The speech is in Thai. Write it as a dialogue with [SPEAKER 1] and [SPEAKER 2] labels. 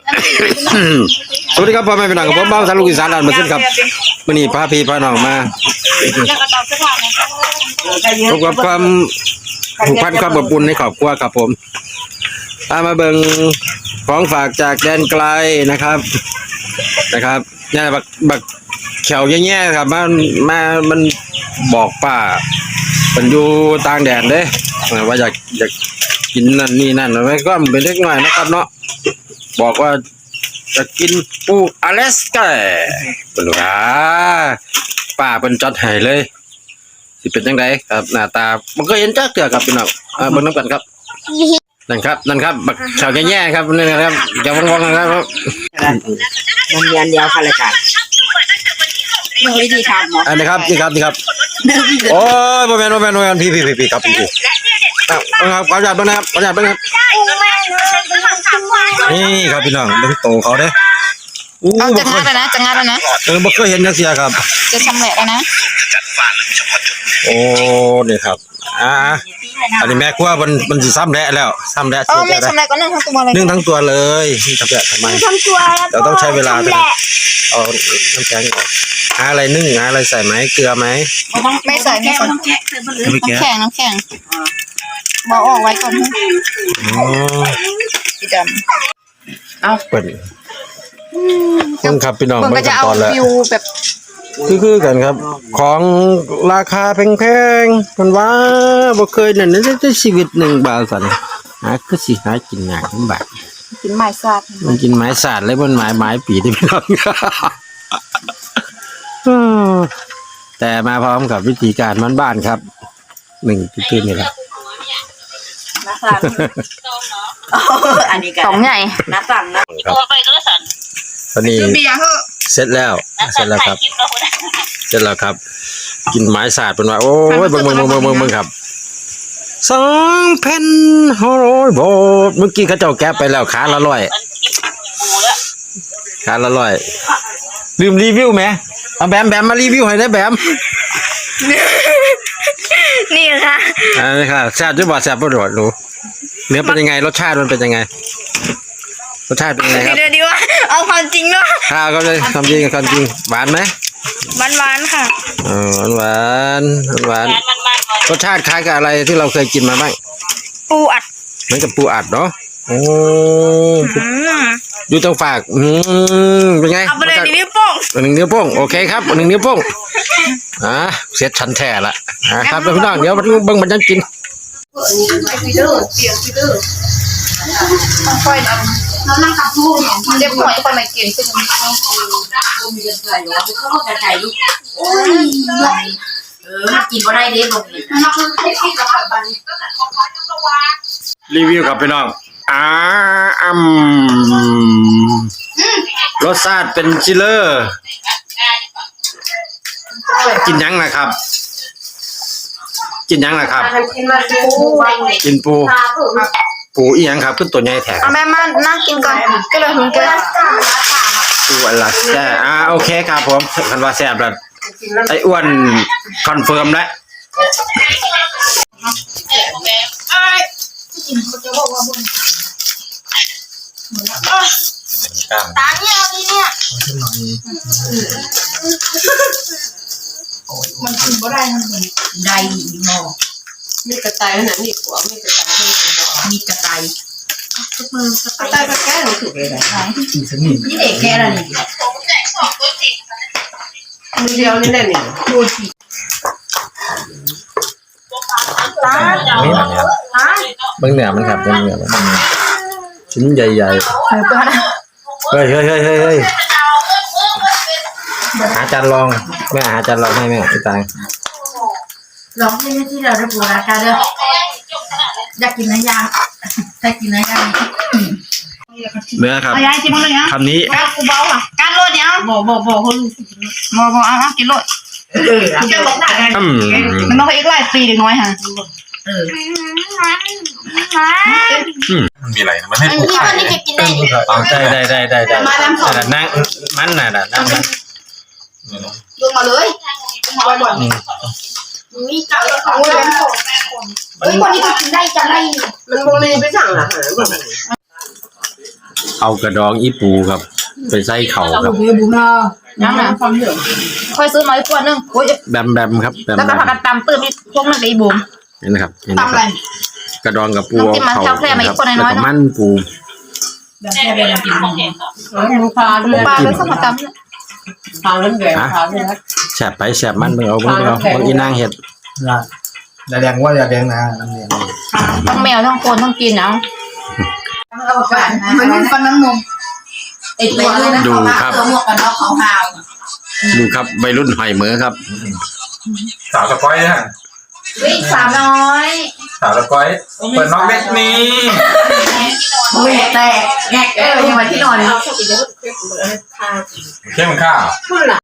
[SPEAKER 1] สวัสดีครับพ่อแม่พี่น้องกับผมบ้าสารลูกอีสานด่านมาขึ้นครับวันนี้พาพี่พาน้องมาพบกับความผูกพันความอบอุ่นในครอบครัวครับผมพามาเบิ่งของฝากจากแดนไกลนะครับเนี่ยบักเขียวแย่ๆครับมันบอกป้าเป็นอยู่ต่างแดนเด้ว่าอยากกินนั่นนี่นั่นไว้ก็เป็นเล็กน้อยนะครับเนาะบอกว่าจะกินปูอลาสก้าเป็นว่าป้าเป็นจัดให้เลยสิเป็นยังไงครับหน้าตามันก็เห็นจักเถื่อครับพี่น้องเบิ่งน้ำกันครับนั่นครับบักเขียวแย่ๆครับนี่นะครับอย่าวงๆนะครับ
[SPEAKER 2] มันเรียนเดียวค่ะรายการมึงวิธีทำ
[SPEAKER 1] อันนี้ครับนี่ครับโอ้ยบ่แม่นพี่ครับพี่ครับขอจับด้วยนะครับนี่ครับพี่น้องเป็นโตเขาเด้
[SPEAKER 2] จะงัดแล้วนะ
[SPEAKER 1] บ่เคยเห็นนักเสียครับ
[SPEAKER 2] จะชำแหละแล้วนะ
[SPEAKER 1] โอ้นี่ครับอันนี้แม่กลัวมันสิซ้ำแหละแล้ว
[SPEAKER 2] ไม่ชำแหละก็นึ่งทั้งตัวเลย
[SPEAKER 1] นึ่งทั้งตัวเลยนี่ครับทำไมเราต้องใช้เวลาเอาน้ำแข็งออกหาอะไรนึ่งหาอะไรใส่ไหมเกลือไหม
[SPEAKER 2] ไม่ใส่น้ำแข็งบอกออกไว้ก่อนพี่ดำเอา
[SPEAKER 1] เปิดครับพี่น้อง
[SPEAKER 2] มันก็จะเอาฟิวแบบ
[SPEAKER 1] คือกันครับของราคาแพงๆมันว่าบ่เคยนั่นในชีวิต1 บาทสั่นคือสิหากินง่าย1 บาท
[SPEAKER 2] กินไม้สาด
[SPEAKER 1] มันกินไม้สาดเลยบนไม้ปีที่พี่น้องแต่มาพร้อมกับวิธีการบ้านๆครับ1ตื่นนี่แหละ
[SPEAKER 2] อันนี้กัน2ใหญ่นะสั่นนะ
[SPEAKER 1] ตอนนี้เสร็จแล้วครับกินไม้สาดเป็นว่าโอ้ยเบิ่งครับ2,500 บาทเมื่อกี้เขาเจ้าแก๊ปไปแล้วขาละ100ลืมรีวิวไหมเอาแบมมารีวิวให้ได้แบม
[SPEAKER 2] นี่ค่ะ
[SPEAKER 1] นี่ค่ะแซ่บด้วยบ่แซ่บบ่โดดหนูเนื้อเป็นยังไงรสชาติมันเป็นยังไงครับ
[SPEAKER 2] เดี๋ยวดีว่าเอาความจริงเนาะ
[SPEAKER 1] ข้าวก็เลยทำจริงหวานไหม
[SPEAKER 2] หวานค่ะ
[SPEAKER 1] หวานรสชาติคล้ายกับอะไรที่เราเคยกินมาบ้าง
[SPEAKER 2] ปูอัด
[SPEAKER 1] เหมือนกับปูอัดเนาะโอ้ดูต้องฝากเป็นไง
[SPEAKER 2] เอาไปเลย1 นิ้วโป้ง
[SPEAKER 1] 1 นิ้วโป้งโอเคครับ1 นิ้วโป้งเสร็จชันแท้ละครับพี่น้องเดี๋ยวเบิ่งมันจะกิน
[SPEAKER 2] ค่อยเรานั่งกับลูกเรียบร้อยค่อยมากินซึ่งกินก็ได้เด็ดลง
[SPEAKER 1] รีวิวกับพี่น้องรสชาติเป็นชิลเลอร์กินยังนะครับกินปูอีหยังครับขึ้นตัวใหญ่แท้
[SPEAKER 2] แม่มานั่งกินก่อนก็เลยถึงกัน
[SPEAKER 1] ปูอลาสก้าโอเคครับผมคันว่าแซ่บแล้วไอ้อ้วนคอนเฟิร์มแล้ว
[SPEAKER 2] ตาเนี่ยเอาดีเนี่ยมันกินบ่ได้มันได้เนาะ
[SPEAKER 3] มีกระต่ายขนาดนี้หัวมีกระต่าย
[SPEAKER 2] มีกระต่าย
[SPEAKER 3] ทุกมือกระต่ายก็แก้หนูถูกเลย
[SPEAKER 2] นี่เด็กแก่แล้วนี่
[SPEAKER 3] มือเดียวนี่แหละนี่
[SPEAKER 2] ดูสิ
[SPEAKER 1] เบิ่งเนื้อมันครับเบิ่งเนื้อมันชิ้นใหญ่ๆเฮ้ยหาจานรองแม่หาจานรองให้แม่พี่ตาย
[SPEAKER 2] ลองที่เราได้ปูราคาเด้ออยากกินน้ำยา
[SPEAKER 1] เนื้อครับคำนี้
[SPEAKER 2] กูเบาอ่ะการโลดเนี่ย
[SPEAKER 3] บอกคน
[SPEAKER 2] เอากินโลดมันต้องอีกหลายปีเด็กน้อยฮะ
[SPEAKER 1] มีอะไรมันให้ผู้ขาย
[SPEAKER 2] นี่กินได้
[SPEAKER 1] ได้นั่งมันน่ะ
[SPEAKER 2] ลงมาเลยบ่อยมีเก่าแล้วของเล่นของคนนี้ก็กินได้จังได้
[SPEAKER 3] มันโมเลไปสั่งอาหาร
[SPEAKER 1] เอากระดองอีปูครับ ไปใส่เข่าครับ
[SPEAKER 2] น้ำหนักความเหลืองค่อยซื้อมาอีกขวดนึงโอ้ย
[SPEAKER 1] แบมครับแบม
[SPEAKER 2] แล้วก็ผักกาดตำตื้มอีกพวกนึงกับอีบุ๋ม
[SPEAKER 1] นี่นะครับนี่นะ
[SPEAKER 2] ตำ
[SPEAKER 1] ค
[SPEAKER 2] อะไร
[SPEAKER 1] รับกระดองกับปู
[SPEAKER 2] น้ำจิ้มมันแคบๆมาอีกคนน้อยๆ
[SPEAKER 1] แล้วก็มันปู
[SPEAKER 2] แบบแค่เป็นน้ำจิ้ม
[SPEAKER 3] หมูปลา
[SPEAKER 2] หมูปลาเลยสักตำ
[SPEAKER 3] ปลาเรื่องแดงปลาเลยนะ
[SPEAKER 1] แสบไปแสบมันเบิ่งเอาเบิ่งอีนางเห็ด
[SPEAKER 4] อย่าแดงว่าอย่าแดงนะน้ำเนียน
[SPEAKER 2] ทั้งแมวทั้งคนทั้งกินเอาเอาไปมันเป็นฟันน้ำนมไอตัวเลยนะตัวหมวกกันน็อกขาว
[SPEAKER 1] ดูครับวัยรุ่นหอยเหมือครับ
[SPEAKER 4] สาวสก้อยนะ
[SPEAKER 2] วิ่งสามน้อย
[SPEAKER 4] สาวสก้อยเปิดน้องเล็กนี้
[SPEAKER 2] วิ่งแตกแงกยังไงที่นอน
[SPEAKER 4] เข้มข้าว
[SPEAKER 3] พูดละ